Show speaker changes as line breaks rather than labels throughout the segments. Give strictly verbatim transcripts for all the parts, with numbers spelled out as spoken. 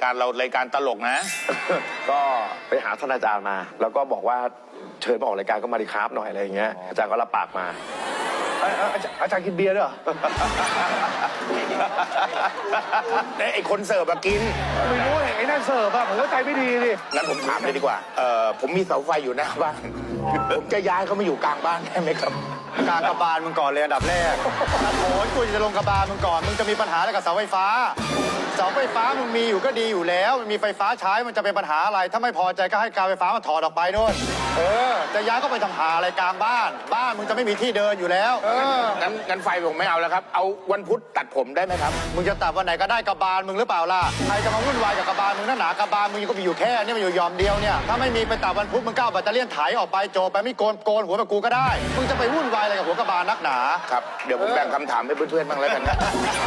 การเรารายการตลกนะ
ก็ไปหาท่านอาจารย์มา แล้วก็บอกว่าเชิญมาออกรายการก็มาดีครับหน่อยอะไรอย่างเงี้ยอาจารย์ก็รับปากมาอาจารย์กินเบียร์ด้วยเหรอ
ไอ้คนเสิร์ฟมากิน
ไม่รู้ไอ้นั่นเสิร์ฟอะผมก็ใจไม่ดีดิ
งั้นผมถามเลยดีกว่าเอ่อผมมีเสาไฟอยู่หน้าบ้านผมจะย้ายเขามาอยู่กลางบ้านได้ไหมครับ
กลางกระบาลมึงก่อนเลยอันดับแรกโอ้ยกูจะลงกระบาลมึงก่อนมึงจะมีปัญหาอะไรกับเสาไฟฟ้าเสาไฟฟ้ามึงมีอยู่ก็ดีอยู่แล้วมันมีไฟฟ้าใช้มันจะเป็นปัญหาอะไรถ้าไม่พอใจก็ให้การไฟฟ้ามาถอดออกไปนู่นเออจะย้ายก็ไปทำหาอะไรกลางบ้านบ้านมึงจะไม่มีที่เดินอยู่แล้วเออ
งั้นงั้นไฟผมไม่เอาแล้วครับเอาวันพุธตัดผมได้ไหมครับ
มึงจะตัดวันไหนก็ได้กระบาลมึงหรือเปล่าล่ะใครจะมาวุ่นวายกับกระบาลมึงนั่นหนากระบาลมึงก็มีอยู่แค่นี่มันอยู่ยอมเดียวเนี่ยถ้าไม่มีไปตัดวันพุธมึงก้าวแบตเตอรี่ไถออกไปโจไปไม่โกนโกนหัวแบบกูก็ได้มึงจะไปวุ่นวายอะไรกับหัวกระบาลนักหนา
ครับเดี๋ยวผมแบ่งคำถามให้เพื่อนๆบ้างแล้วกันนะ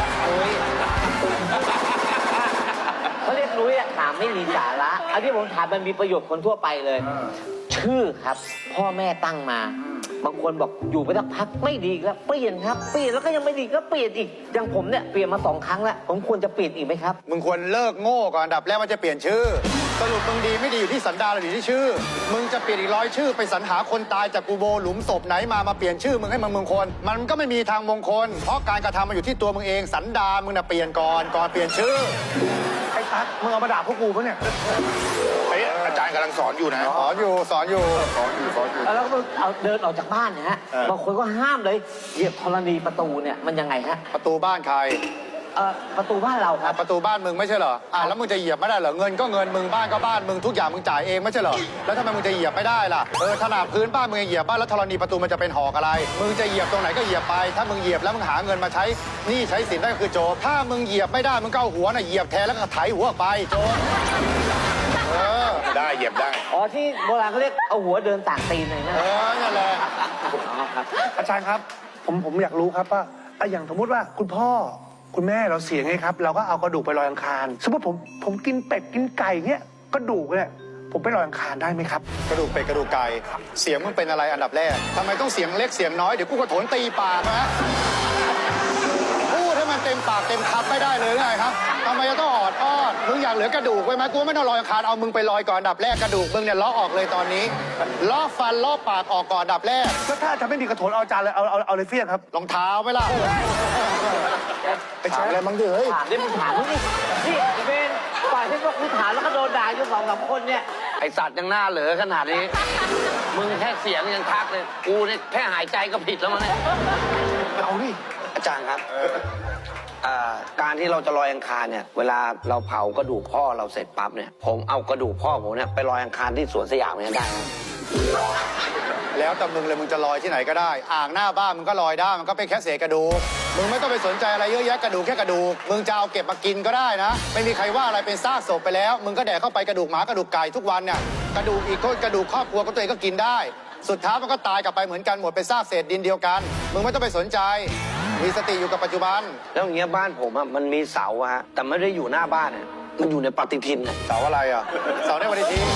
เขาเรียกรู้อะถามไม่มีสาระอันที่ผมถามมันมีประโยชน์คนทั่วไปเลยชื่อครับพ่อแม่ตั้งมาบางคนบอกอยู่ไปสักพักไม่ดีแล้วเปลี่ยนครับเปลี่ยนแล้วก็ยังไม่ดีก็เปลี่ยนอีกอย่างผมเนี่ยเปลี่ยนมาสองครั้งแล้วผมควรจะเปลี่ยนอีกไหมครับ
มึงควรเลิกโง่ก่อนอันดับแรกมันจะเปลี่ยนชื่อสรุปมึงดีไม่ดีอยู่ที่สันดานหรืออยู่ที่ชื่อมึงจะเปลี่ยนอีกร้อยชื่อไปสรรหาคนตายจากกูโบหลุมศพไหนมามาเปลี่ยนชื่อมึงให้มึงมงคลมันก็ไม่มีทางมงคลเพราะการกระทำมันอยู่ที่ตัวมึงเองสันดานมึงน่ะเปลี่ยนก่อนก่อนเปลี่ยนชื่อ
ไอ้ตั๊กมึงเอามาด่าพวกกูปะเนี่ย
ไอ้อาจารย์กำลังสอนอยู่นะ
สอนอยู่สอนอยู่สอนอยู่สอนอยู่
แล้วก็เอาเดินออกจากบ้านเนี่ยฮะบางคนก็ห้ามเลยเหยียบธรณีประตูเนี่ยมันยังไงฮะ
ประตูบ้านใคร
เอ่อประตูบ้านเราครับ
ประตูบ้านมึงไม่ใช่เหรออ่ะแล้วมึงจะเหยียบไม่ได้เหรอเงินก็เงินมึงบ้านก็บ้านมึงทุกอย่างมึงจ่ายเองไม่ใช่เหรอแล้วทำไมมึงจะเหยียบไม่ได้ล่ะเออขนาดพื้นบ้านมึงเหยียบบ้านแล้วธรณีประตูมันจะเป็นหอกอะไรมึงจะเหยียบตรงไหนก็เหยียบไปถ้ามึงเหยียบแล้วมึงหาเงินมาใช้นี่ใช้สินได้ก็คือโจรถ้ามึงเหยียบไม่ได้มึงก็เอาหัวน่ะเหยียบแทนแล้วก็ไถหัวออกไปโจร
เออได้เหยียบได้
อ๋อที่โบราณเขาเรียกเอาหัวเดินต่างตีนหน่อยนะ
เออนั่นแหละ
อาจารย์ครับผมผมอยากรู้ครับว่าอย่างสมมติว่าคุณพ่อคุณแม่เราเสียไงครับเราก็เอากระดูกไปลอยอังคารสมมติผมผมกินเป็ดกินไก่เงี้ยกระดูกเนี่ยผมไปลอยอังคารได้ไหมครับ
กระดูกเป็ดกระดูกไก่เสียงมึงเป็นอะไรอันดับแรกทำไมต้องเสียงเล็กเสียงน้อยเดี๋ยวกูกระโถนตีปากนะพูดให้มันเต็มปากเต็มคำไม่ได้เลยไงครับทำไมจะต้องออดอ้อนมึงอยากเหลือกระดูกไว้ไหมกูไม่ต้องลอยอังคารเอามึงไปลอยก่อนอันดับแรกกระดูกมึงเนี่ยล้อออกเลยตอนนี้ล้อฟันล้อปากออกก่อนอันดับแรก
แล้วถ้าจะไม่มีกระโถนเอาจานเลยเอาเอาเอาเลยเฟี้ยงครับ
รองเท้าไหมล่ะ
ไปถามอะไรมั้งดิเฮ้ย
ถามได้มึงถามนี่นี่เป็นฝ่ายที่พวกกูถามแล้วก็โดนด่าอยู่สองสามคนเนี่ย
ไอสัตว์ยังหน้าเหลือขนาดนี้มึงแค่เสียงยังทักเลยกูเนี่ยแค่หายใจก็ผิดแล้วมั้งเนี่ย
เอาดิ
อาจารย์ครับการที่เราจะลอยอังคารเนี่ยเวลาเราเผากระดูกพ่อเราเสร็จปั๊บเนี่ยผมเอากระดูกพ่อผมเนี่ยไปลอยอังคารที่สวนสยามเนี่ยได้ไหม
แล้วแต่มึงเลยมึงจะลอยที่ไหนก็ได้อ่างหน้าบ้านมึงก็ลอยได้มันก็เป็นแค่เศษกระดูกมึงไม่ต้องไปสนใจอะไรเยอะแยะกระดูกแค่กระดูกมึงจะเอาเก็บมากินก็ได้นะไม่มีใครว่าอะไรเป็นซากศพไปแล้วมึงก็แดกเข้าไปกระดูกหมากระดูกไก่ทุกวันเนี่ยกระดูกอีกคนกระดูกครอบครัวก็ตัวเองก็กินได้สุดท้ายมันก็ตายกลับไปเหมือนกันหมดเป็นซากเศษดินเดียวกันมึงไม่ต้องไปสนใจมีสติอยู่กับปัจจุบัน
แล้วอย่างเงี้ยบ้านผมอะมันมีเสาอะฮะแต่ไม่ได้อยู่หน้าบ้านอะมันอยู่ในปฏิทิน
เสาอะไรอะเสาในปฏิทิน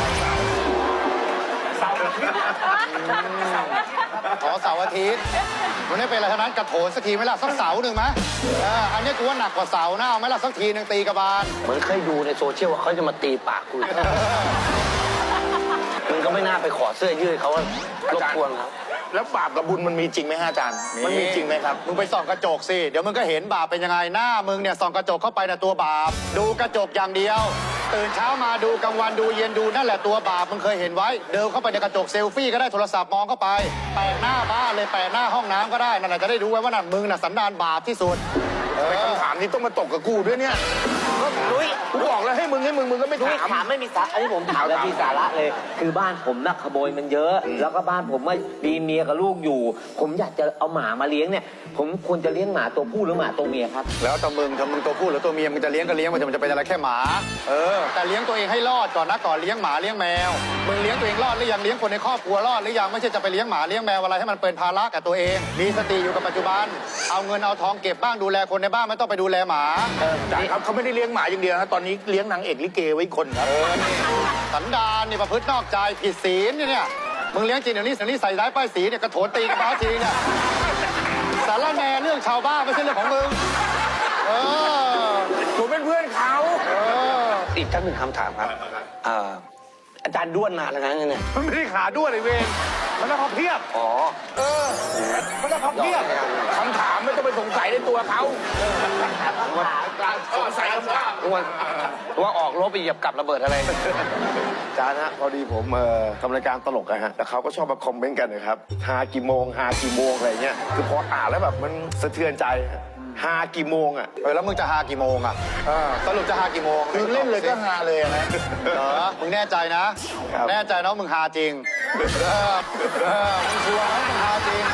เสาร์อาทิตย์
อ๋อเสาร์อาทิตย์มันไม่เป็นอะไรทั้งนั้นกระโถนสักทีไหมล่ะสักเสาหนึ่งไหมอันนี้กูว่าหนักกว่าเสาหน้าเอาไหมล่ะสักทีหนึ่งตีกระบาล
เหมือนเคยดูในโซเชียลว่าเขาจะมาตีปากกูมึงก็ไม่น่าไปขอเสื้อยืดเขารบกวนครับ
แล้วบาปกับบุญมันมีจริงไหมฮะอาจารย์มันมีจริงไหมครับ
มึงไปส่องกระจกสิเดี๋ยวมึงก็เห็นบาปเป็นยังไงหน้ามึงเนี่ยส่องกระจกเข้าไปนะตัวบาปดูกระจกอย่างเดียวตื่นเช้ามาดูกลางวันดูเย็นดูนั่นแหละตัวบาปมึงเคยเห็นไว้เดินเข้าไปในกระจกเซลฟี่ก็ได้โทรศัพท์มองเข้าไปแปะหน้าบ้านเลยแปะหน้าห้องน้ำก็ได้นั่นแหละจะได้รู้ไว้ว่านั่นมึงน่ะสันดานบาปที่สุด
ไปคำถามนี้ต้องมาตกกับกูด้วยเนี่ย
ลุย
กูบอกแล้วให้มึงให้มึงมึงก็ไม่ถาม
ถามไม่มีสาระอันนี้ผมถามแล้วมีสาระเลยคือบ้านผมน่ะขโมยมันเยอะแล้วก็บ้านผมมีเมียกับลูกอยู่ผมอยากจะเอาหมามาเลี้ยงเนี่ยผมควรจะเลี้ยงหมาตัวผู้หรือหมาตัวเมียครับ
แล้วแต่มึงถ้ามึงตัวผู้หรือตัวเมียมึงจะเลี้ยงก็เลี้ยงมันจะมันจะเป็นอะไรแค่หมาเออแต่เลี้ยงตัวเองให้รอดก่อนนะก่อนเลี้ยงหมาเลี้ยงแมวมึงเลี้ยงตัวเองรอดหรือยังเลี้ยงคนในครอบครัวรอดหรือยังไม่ใช่จะไปเลี้ยงหมาเลี้ยงแมวอะไรให้มันเป็นภาระกับตัวเองมีสติอยู่กับปัจจุบันเอาเงินเอาทองเก็บบ้างดูแลคนในบ้านไม่ต้องไปดูแลหมา
อาจารย์ครับเขาไม่ได้เลี้ยงหมาอย่างเดียวนะตอนนี้เลี้ยงนางเอกลิเกไว้คนครับ
สันดานนี่ประพฤตินอกใจผิดศีลเนี่ยมึงเลี้ยงจริงเดี๋ยวนี้สันนี้ใส่ร้ายป้ายสีเนี่ยกระโถนตีกระบ้าทีเนี่ยสารแหน่เรื่องชาวบ้านไม่ใช่เรื่องของมึงเออ
ผมเป็นเพื่อนเขา
เออ
อีกท่านหนึ่งคำถามครับเอ่ออาจารย์ด้วนนานแล้วนะเนี่ย
มันไม่ได้ขาด้วนไอเวรมันต้องพับเพียบ
อ๋อ
เออ มันต้องพับเพียบ
คำถามไม่ต้องไปสงสัยในตัวเขา สงสัยคำถาม
ว่าว่าออกรบไปเหยียบกับระเบิดอะไร
อาจารย์ฮะพอดีผมเอ่อทำรายการตลกอะฮะแล้วเขาก็ชอบมาคอมเมนต์กันนะครับฮากี่โมงฮากี่โมงอะไรเงี้ยคือพออ่านแล้วแบบมันสะเทือนใจฮะฮากี่โมงอะ
เออแล้วมึงจะหากี่โมงอ่ะสรุปจะหากี่โมง
คือเล่นเลยก็ฮาเลยอะนะ
เหรอมึงแน่ใจนะ แน่ใจนะว่ามึงหาจริงเออเออมึงชัวร์นะมึงหาจริง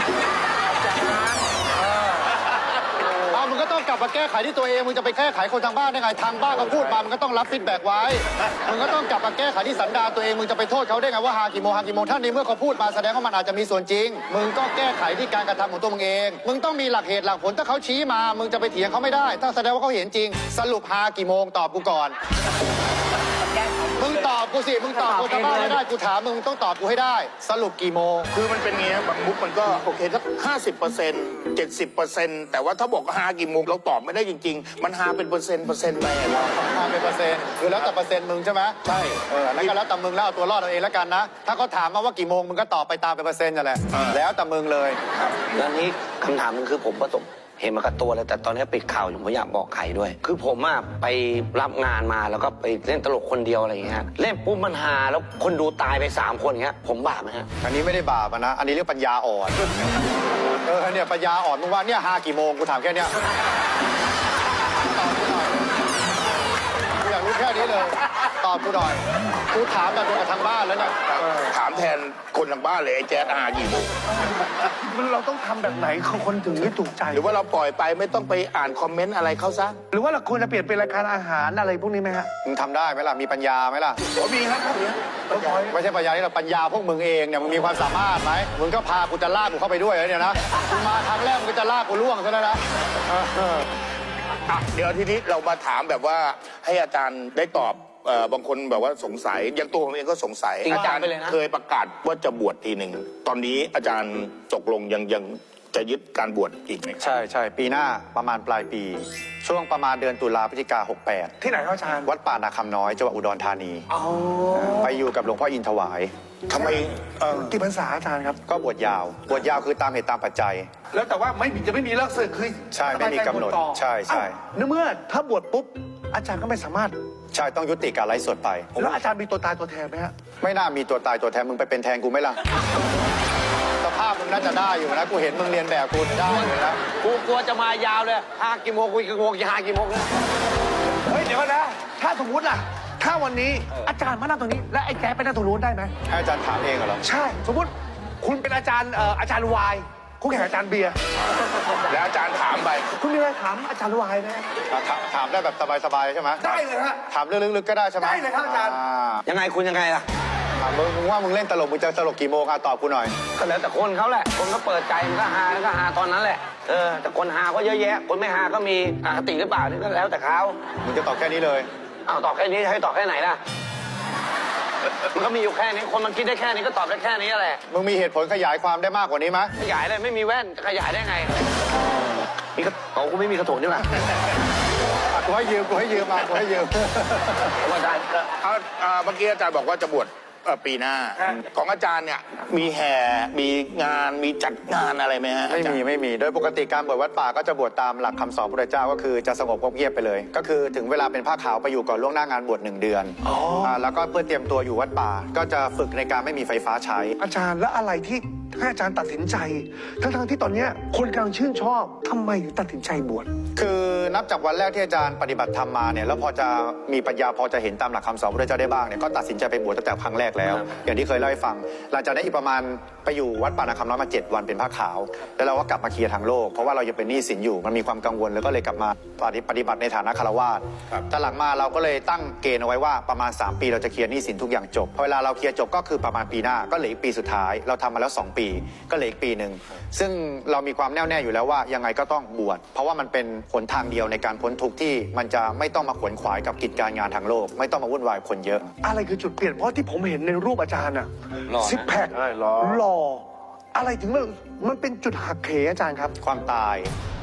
เออเอามึงก็ต้องกลับมาแก้ไขที่ตัวเอง มึงจะไปแก้ไขคนทางบ้านได้ไง ทางบ้านเขาพูดมา มึงก็ต้องรับฟีดแบ็กไว้ มึงก็ต้องกลับมาแก้ไขที่สันดานตัวเอง มึงจะไปโทษเขาได้ไงว่าหากี่โมงหากี่โมง ถ้าในเมื่อเขาพูดมาแสดงว่ามันอาจจะมีส่วนจริง มึงก็แก้ไขที่การกระทำของตัวมึงเอง มึงต้องมีหลักเหตุหลักผล ถ้าเขาชี้มา มึงจะไปเถียงเขาไม่ได้ ถ้าแสดงว่าเขาเห็นจริง สรุปหากี่โมงตอบกูก่อน มึงตอบกูสิ มึงตอบคนทางบ้านไม่ได้ กูถามมึงมึงต้องตอบกูให้ได้ สรุปกี่โมง
คือมันเป็นเงี้ยบางมุกมันก็โอเคสักห้าสิบเปอร์เซ็นต์เจ็ดสิบเปอร์เซ็นต์แต่ว่าถ้าบอกฮากี่โมงเราตอบไม่ได้จริง ๆ มันฮาเป็นเปอร์เซ็นต์เปอร์เซ็นต์ไปอะเรา
มาเป็นเปอร์เซ็นต์คือแล้วแต่เปอร์เซ็นต์มึงใช่ไหม
ใช่
เออแล้วก็แล้วแต่มึงแล้วเอาตัวรอดเอาเองแล้วกันนะ ถ้าเขาถามมาว่ากี่โมงมึงก็ตอบไปตามเป็นเปอร์เซ็นต์นั่นแหละ แล้วแต่มึงเลย
แล้วนี้คำถามหนึงคือผมประสบเห็นมากับตัวเลยแต่ตอนนี้ปิดข่าวอยู่ผมอยากบอกใครด้วย คือผมอะไปรับงานมาแล้วก็ไปเล่นตลกคนเดียวอะไรอย่างเงี้ยเล่นปุ๊บมันฮาแล้วคนดูตายไปสามคนอย่างเงี้ยผมบาปไหมฮะ
อันนี้ไม่ได้บาปอะนะ อันนี้เรียกปัญญาอ่อน เออเนี่ยปัญญาอ่อนมึงว่าเนี่ยหากี่โมงกูถามแค่เนี้ยตอบกูหน่อยกูอยากรู้แค่นี้เลย ตอบกูหน่อยกูถามแบบเดียวกับทางบ้านแล้วเนี่ย
ถามแทนคนทางบ้านเลยไอ้แจ๊ดฮากี่โมง
มันเราต้องทำแบบไหนคนถึงจะถูกใจ
หรือว่าเราปล่อยไปไม่ต้องไปอ่านคอมเมนต์อะไรเขาซะ
หรือว่าเราควรจะเปลี่ยนเป็นรายการอาหารอะไรพวกนี้ไหมฮะ
มึงทำได้ไหมล่ะ มีปัญญาไหมล่ะ
โอ้มีครับพวกเนี้ย
ไม่ใช่ปัญญาที่เราปัญญาพวกมึงเองเนี่ยมึงมีความสามารถไหมมึงก็พากูจะลากกูเข้าไปด้วยเหรอเนี่ยนะมึงมาครั้งแรกมึงก็จะลากกูล่วงซะแล้วนะเออ
อ่ะเดี๋ยวทีนี้เรามาถามแบบว่าให้อาจารย์ได้ตอบเอ่อบางคนแบบว่าสงสัยอย่างตัวผมเองก็สงสัย
จริงจัง
อาจารย์
ไปเลยนะ
เคยประกาศว่าจะบวชทีหนึ่งตอนนี้อาจารย์ตกลงยังยังจะยึดการบวชอีกไหมครับ
ใช่ใช่ปีหน้าประมาณปลายปี ช่วงประมาณเดือนตุลาพฤศจิกาหกแปด
ที่ไหนครับอาจารย์
วัดป่านาคำน้อยจังหวัดอุดรธานีไปอยู่กับหลวงพ่ออินถวาย
ทำไมเอ่อ
กี่พรรษาอาจารย์ครับ
ก็บวชยาว บวชยาวคือตามเหตุตามปัจจัย
แล้วแต่ว่าไม่มีจะไม่มีเลิกศึกคือ
ใช่ไม่มีกำหนด
สบายใจบวชต่อ
ใช่ใช่
อ้าวในเมื่อถ้าบวชปุ๊บอาจารย์ก็ไม่สามารถ
ใช่ต้องยุติการไลฟ์สดไป
แล้วอาจารย์มีตัวตายตัวแทนไหมฮะ
ไม่น่ามีตัวตายตัวแทนมึงไปเป็นแทนกูไหมล่ะสภาพมึงน่าจะได้อยู่นะกูเห็นมึงเรียนแบบกูได้อยู่นะ
กูกลัวจะมายาวเลยฮากี่โมงกูกี่โมงกี่ฮากี่โมงนะ
เฮ้ยเดี๋ยวก่อนนะ ถ้าสมมติล่ะ ถ้าวันนี้อาจารย์มานั่งตรงนี้ และไอ้แจ๊ไปนั่งตรงนู้นได้ไหม
ให้อาจารย์ถามเองเหรอ
ใช่ สมมติคุณเป็นอาจารย์เอ่ออาจารย์วายคุณแข่งอาจารย์เบียร์
แล้วอาจารย์ถามไป
คุณมีอะไรถามอาจารย์วายไหม
อ่ะถามถามได้แบบสบายๆใช่ไหม
ได้เลยฮะ
ถามเรื่องลึกๆก็ได้ใช่ไหม
ได้เลยครับอาจารย์
ยังไงคุณยังไงล่ะ
ถามมึงมึงว่ามึงเล่นตลกมึงจะตลกกี่โมงอ่ะตอบกูหน่อย
ก็แล้วแต่คนเขาแหละ คนก็เปิดใจมันก็ฮาแล้วก็ฮาตอนนั้นแหละ เออ แต่คนฮาก็เยอะแยะ คนไม่ฮาก็มีอคติหรือเปล่านี่ก็แล้วแต่เขา
มึงจะตอบแค่นี้เลย
เอาตอบแค่นี้ให้ตอบแค่ไหนล่ะ มันก็มีอยู่แค่นี้ คนมันคิดได้แค่นี้ก็ตอบได้แค่นี้แหละ
มึงมีเหตุผลขยายความได้มากกว่านี้ไหม
ขยายเลยไม่มีแว่นจะขยายได้ไง มีกระโอ้กูไม่มีกระโถนนี่หว่า
อ่ะกูให้ยืมกูให้ยืมมากูให้ยืม
ว่าได้
เอาอ่าเมื่อกี้อาจารย์บอกว่าจะบวชเอ่อปีหน้า ของอาจารย์เนี่ยมีแห่มีงานมีจัดงานอะไรไหมฮะ
ไม่มีไม่มี โดยปกติการบวชวัดป่าก็จะบวชตามหลักคำสอนพระเจ้าก็คือจะสงบเงียบไปเลย ก็คือถึงเวลาเป็นผ้าขาวไปอยู่ก่อนล่วงหน้างานบวชหนึ่งเดือนอ่าแล้วก็เพื่อเตรียมตัวอยู่วัดป่า ก็จะฝึกในการไม่มีไฟฟ้าใช้
อาจารย์แล้วอะไรที่ให้อาจารย์ตัดสินใจ ทั้งๆที่ตอนเนี้ยคนกำลังชื่นชอบทำไมถึงตัดสินใจบวช
คือนับจากวันแรกที่อาจารย์ปฏิบัติธรรมมาเนี่ยแล้วพอจะมีปัญญาพอจะเห็นตามหลักคำสอนพระเจ้าได้บ้างเนี่ยก็ตัดสินใจไปบวชตั้งแต่ครั้งแรกแล้ว อย่างที่เคยเล่าให้ฟัง หลังจากนั้นอีกประมาณไปอยู่วัดป่านาคำน้อยมาเจ็ดวันเป็นผ้าขาว แล้วเราก็กลับมาเคลียร์ทางโลกเพราะว่าเรายังเป็นหนี้สินอยู่มันมีความกังวลแล้วก็เลยกลับมาปฏิบัติในฐานะคารวาสแต่หลังมาเราก็เลยตั้งเกณฑ์เอาไว้ว่าประมาณสามปีเราจะเคลียร์หนี้สินทุกอย่างจบพอเวลาเราเคลียร์จบก็คือประมาณปีหน้าก็เหลืออีกปีสุดท้ายเราทำมาแล้วสองปีก็เหลืออีกปีหนึ่งซึ่งเรามีความแน่วแน่อยู่แล้วว่ายังไงก็ต้องบวชเพราะว่ามันเป็นหนทางเดียวในการพ้นทุกข์ที่มันจะไม่ต้องมาขวนขวายกับกิจการงานทางโลกไม่ต้องมาวุ่นวายคนเยอะ
อะไรคือจุดเปลี่ยนเพราะที่ผมเห็นในรูปอาจารย์อะ
หล่อนะ
ซิกแพค
ใช่หรอ
หล่ออะไรถึงมันมันเป็นจุดหักเหอาจารย์ครับ
ความตาย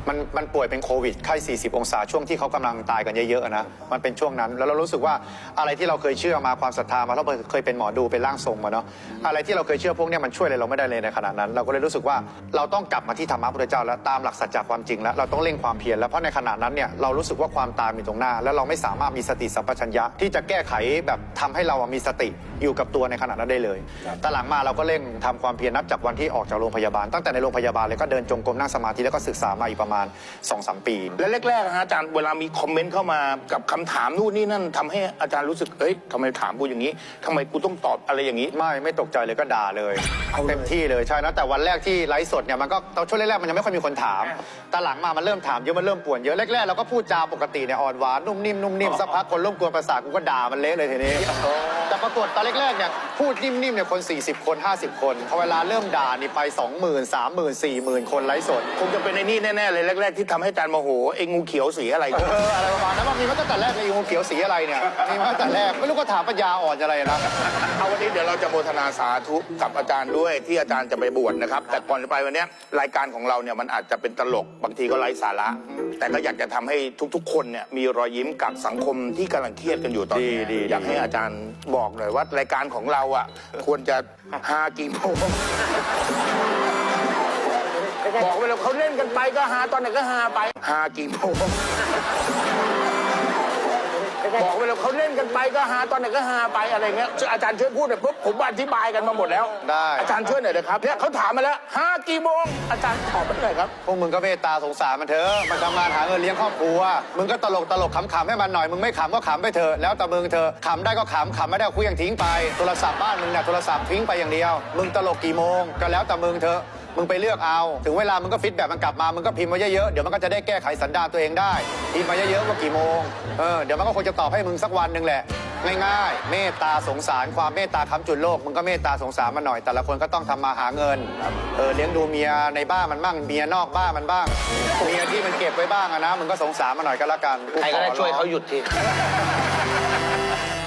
มันมันป่วยเป็นโควิดไข้สี่สิบองศาช่วงที่เขากำลังตายกันเยอะๆนะมันเป็นช่วงนั้นแล้วเรารู้สึกว่าอะไรที่เราเคยเชื่อมาความศรัทธามาเราเคยเป็นหมอดูเป็นร่างทรงมาเนาะอะไรที่เราเคยเชื่อพวกเนี้ยมันช่วยอะไรเราไม่ได้เลยในขณะนั้น เราก็เลยรู้สึกว่าเราต้องกลับมาที่ธรรมะพุทธเจ้าแล้วตามหลักสัจจะความจริงแล้วเราต้องเร่งความเพียรแล้วเพราะในขณะนั้นเนี่ยเรารู้สึกว่าความตายมีตรงหน้า แล้วเราไม่สามารถมีสติสัมปชัญญะที่จะแก้ไขแบบทำให้เรามีสติอยู่กับตัวในขณะนั้นได้เลยแต่หลังมาเราก็เร่งทำความเพียรนับจากวันที่ออกจากโรงพยาบาลตั้งแต่ในโรงพยาบาลเลยก็เดินจงกรมนั่งสมาธิแล้วก็ศึกษามาอีกประมาณ สองสาม ปี
และแรกๆนะฮะอาจารย์เวลามีคอมเมนต์เข้ามากับคำถามนู่นนี่นั่นทำให้อาจารย์รู้สึกเอ้ยทำไมถามกูอย่างนี้ทำไมกูต้องตอบอะไรอย่างนี้
ไม่ไม่ตกใจเลยก็ด่าเลยเต็มที่เลยใช่นะแต่วันแรกที่ไลฟ์สดเนี่ยมันก็ตอนช่วงแรกๆมันยังไม่ค่อยมีคนถามแต่หลังมามันเริ่มถามเยอะมันเริ่มป่วนเยอะแรกๆเราก็พูดจาปกติเนี่ยอ่อนหวานนุ่มนิ่มนุ่มนิ่มสักพักคนร่วมกวนประสาทกูก็ด่ามันเละเลยทีนี้แต่ปรากฏตอนแรกๆเนี่ยพูดนิ่มๆเนี่ยคนสี่สิบคนห้าสิบคนพอเวลาเริ่มด่านี่ไป สองหมื่น สามหมื่น สี่หมื่น คนไลฟ์สด
คงจะเป็นในนี่แน่ๆเลยแรกๆที่ทำให้อาจารย์โมโหไอ้งูเขียวสีอะไร
เอออะไรประมาณนั้นว่ามีมาตั้งแต่แรกเลยงูเขียวสีอะไรเนี่ยมีมาตั้งแต่แรกไม่รู้ก็ถามปัญญาอ่อนอะไรนะ
เอาวันนี้เดี๋ยวเราจะโมทนาสาธุกับอาจารย์ด้วยที่อาจารย์จะไปบวชนะครับ แต่ก่อนจะไปวันเนี้ยรายการของเราเนี่ยมันอาจจะเป็นตลกบางทีก็ไร้สาระ แต่ก็อยากจะทำให้ทุกๆ คนเนี่ยมีรอยยิ้มกับสังคมที่กำลังเครียดกันอยู่ตอนนี้
ดีดี
อยากให้อาจารย์บอกหน่อยว่ารายการของเราอ่ะควรจะฮากี่โมงบอกไปแล้วเขาเล่นกันไปก็ฮาตอนไหนก็ฮาไปฮากี่โมงบอกไปแล้วเขาเล่นกันไปก็ฮาตอนไหนก็ฮาไปอะไรเงี้ยอาจารย์ช่วยพูดหน่อยปุ๊บผมอธิบายกันมาหมดแล้ว
ได้
อาจารย์ช่วยหน่อยนะครับเนี่ยเขาถามมาแล้วฮากี่โมงอาจารย์ตอบมาหน่อยครับ
พวกมึงก็เมตตาสงสารมันเถอะมันทำงานหาเงินเลี้ยงครอบครัวมึงก็ตลกตลกขำๆให้มันหน่อยมึงไม่ขำก็ขำไปเถอะแล้วแต่มึงเถอะขำได้ก็ขำขำไม่ได้ก็เคลื่องทิ้งไปโทรศัพท์บ้านมึงเนี่ยโทรศัพท์ทิ้งไปอย่างเดียวมึงตลกกี่โมงก็แล้วแต่มึงเถอะมึงไปเลือกเอาถึงเวลามึงก็ฟีดแบ็กมันกลับมามึงก็พิมพ์มาเยอะๆเดี๋ยวมันก็จะได้แก้ไขสันดานตัวเองได้พิมพ์มาเยอะๆว่ากี่โมงเออเดี๋ยวมันก็คงจะตอบให้มึงสักวันหนึ่งแหละง่ายๆเมตตาสงสารความเมตตาค้ำจุนโลกมึงก็เมตตาสงสารมันหน่อยแต่ละคนก็ต้องทำมาหาเงินเออเลี้ยงดูเมียในบ้านมันบ้างเมียนอกบ้านมันบ้างเมียที่มันเก็บไว้บ้างอะนะมึงก็สงสารมันหน่อยก็แล้วกัน
ใครก็ได้ช่วยเขาหยุดที